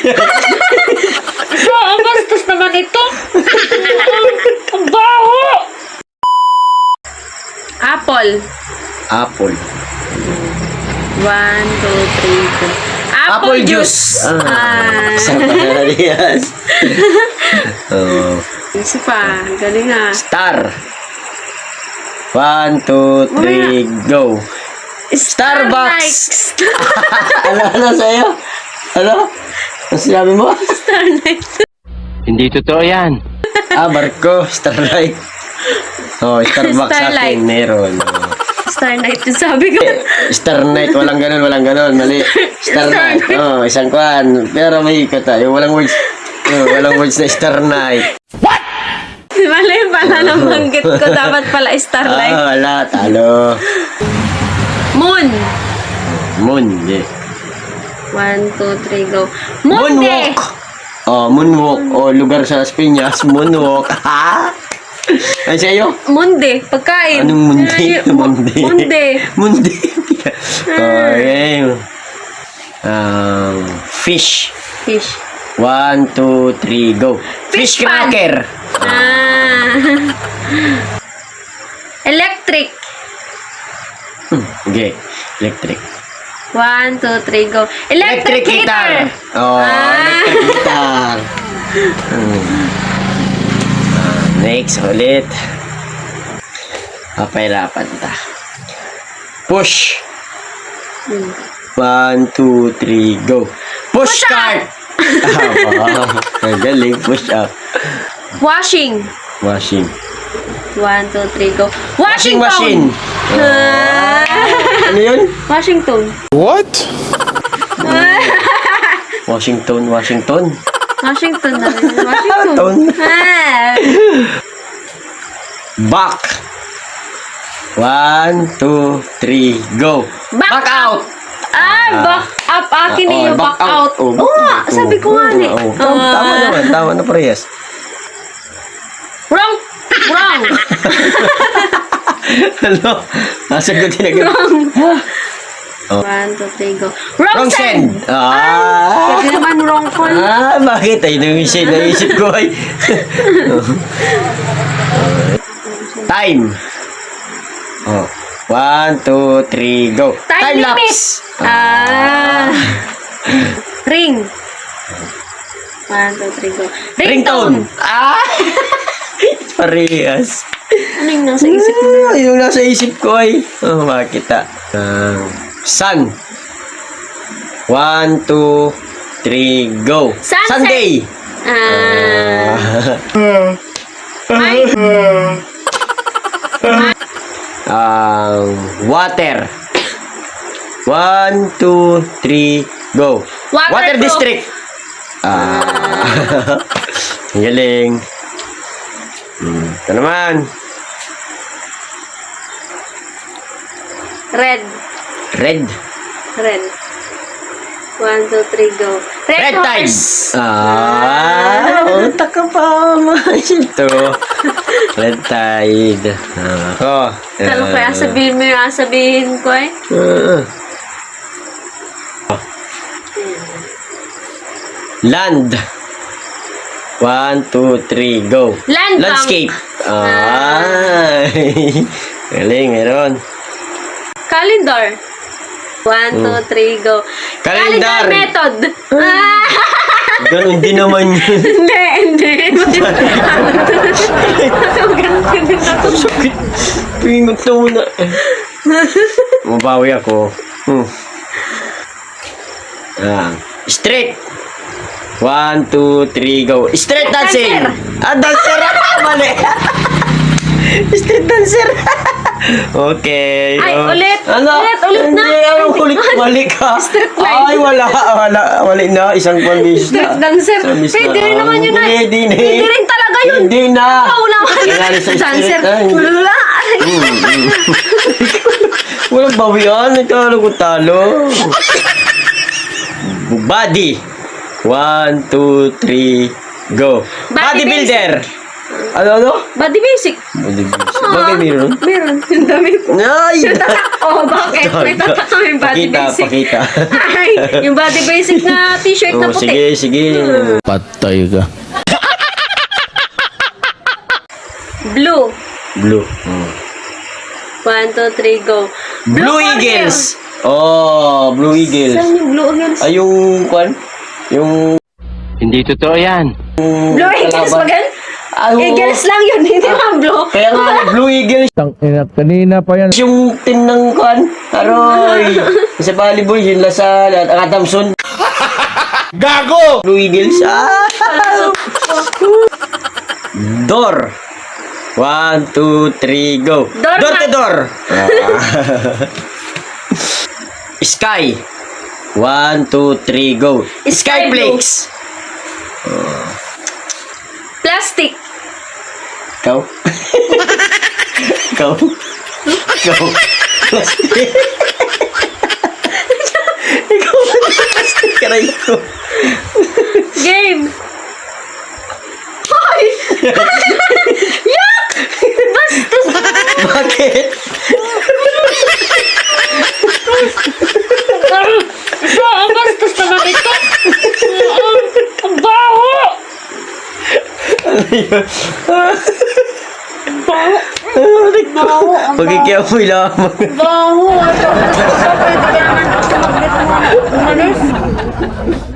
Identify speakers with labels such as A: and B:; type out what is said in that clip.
A: So, ang bastos naman ito. Ang baho. Apple.
B: Apple.
A: 1, 2, 3, 4.
B: Apple juice. Sarap na Rias. Oh.
A: Isa pa. Galing ah.
B: Star. 1, 2, 3, go. Starbucks. Ano sa'yo? Ano? Ano sinabi mo?
A: Starlight.
C: Hindi totoo yan.
B: Barko. Starlight. Oh, Starbucks sa
A: Starlight.
B: akin. Meron.
A: Starlight yung sabi ko.
B: Star Night. Walang ganun. Mali. Star Night. Oh, isang kwan. Pero may kata. Yung walang words. Walang words na Star Night.
A: Mali pala nabanggit ko. Dapat pala Starlight.
B: Wala. Talo.
A: Moon.
B: Moon.
A: 1, 2, 3, go. Monde.
B: Moonwalk. Oh, moonwalk. Oh, lugar sa Piñas. Moonwalk. Ha? Ay, sa'yo?
A: Monde. Pagkain.
B: Anong mundi?
A: Ay,
B: Mundi.
A: Monde.
B: Mundi. Okay. Fish.
A: Fish.
B: 1, 2, 3, go. Fish
A: Fish pan.
B: cracker.
A: Electric.
B: Okay. Electric.
A: 1, 2, 3, go. Electric heater.
B: Oh, electric guitar. Next, ulit. Papahirapan ta. Push. 1, 2, 3, go. Push cart. Galing. Push up.
A: Washing.
B: Washing.
A: 1, 2, 3, go.
B: Washing machine. Ano yun?
A: Washington.
C: What?
B: Washington.
A: Washington na rin.
B: Ton.
A: Washington.
B: Back. 1, 2, 3, go.
A: Back
B: out.
A: Back up. Akin eh, yung back out.
B: Oh,
A: Oo nga, sabi ko nga eh.
B: Tama naman. Tama na parehas.
A: Wrong.
B: Ano? Nasagutin agad.
A: Wrong.
B: Oh.
A: 1, 2, 3, go. Wrong send. Pwede naman wrong call.
B: Bakit? Ay, naisip ko ay. Time. Oh. 1, 2, 3, go.
A: Time limit.
B: lapse.
A: Ring. 1, 2, 3, go.
B: Ringtone. Parehas.
A: Ano yung nasa isip mo?
B: Yung nasa isip ko ay. Makita. Sun. 1, 2, 3, go.
A: Sunset.
B: Sunday. Water. 1, 2, 3, go. Water
A: Waterproof.
B: district. Galing. Ito naman.
A: Red.
B: Red.
A: 1, 2, 3, go.
B: Red tide.
A: horse.
B: Utak ka pa. Ito. Red tide. Ako.
A: Kalo kaya sabihin mo yung sabihin ko eh.
B: Land. 1, 2, 3, go.
A: Land bank.
B: Landscape. Galing, meron.
A: Calendar. 1, 2, 3, go.
B: Calendar.
A: method.
B: Ganun din naman yun.
A: Hindi.
B: Sakit. Pingot na muna. Mabawi ako. Straight. 1, 2, 3, go. Street dancing. Dancer. Mali. Street dancer. Okay.
A: Ay, ulit.
B: Ano?
A: Ulit na.
B: Hindi, ulit. Mali ka.
A: Street light.
B: Ay, wala. Mali na. Isang condition na.
A: Street dancer. Hindi rin naman yun ay. Hindi rin talaga yun.
B: Hindi na.
A: Wala
B: Kailangan sa
A: dancer.
B: street. Ay.
A: Wala.
B: Walang bawian. Nagkala ko talo. Body. 1, 2, 3, go.
A: Bodybuilder.
B: Bodybuilder. Ano?
A: Body basic.
B: Bakit meron?
A: Meron. Yung damit.
B: Ay!
A: Oh, bakit? May tatak kami body basic.
B: Pakita.
A: Ay, yung body basic na t-shirt na
B: Oh,
A: puti.
B: sige.
D: Patay ka.
A: Blue.
B: Blue.
A: 1, 2, 3, go.
B: Blue Eagles! Oh, Blue Eagles.
A: Saan yung Blue Eagles?
B: Ay, yung, kwan? Yung,
C: Hindi totoo yan.
A: Blue Eagles ba gan?
B: Ano?
A: Eagles lang yun, hindi man blue.
B: Kaya nga, Blue Eagles.
D: Kanina pa yan.
B: Yung team ng, kwan? Aroy. Sa volleyball, yun Lasal at Adamson.
D: Gago!
B: Blue Eagles. Door. 1, 2, 3, go.
A: Door
B: Door to
A: mat.
B: door. Sky. 1, 2, 3, go.
A: Sky blue.
B: Skyflakes.
A: Plastic.
B: Ikaw? Ikaw? Ikaw? Plastic. Ikaw plastic ka rin ko.
A: Game. Hoy! Yak! Bastos!
B: Bakit?
A: Ang bastos naman ito. Ang baho!
B: Ano yun?
A: Baho.
B: Pagkikiamoy lamang.
A: Baho. Pwede ka naman magnet mo. Umalis.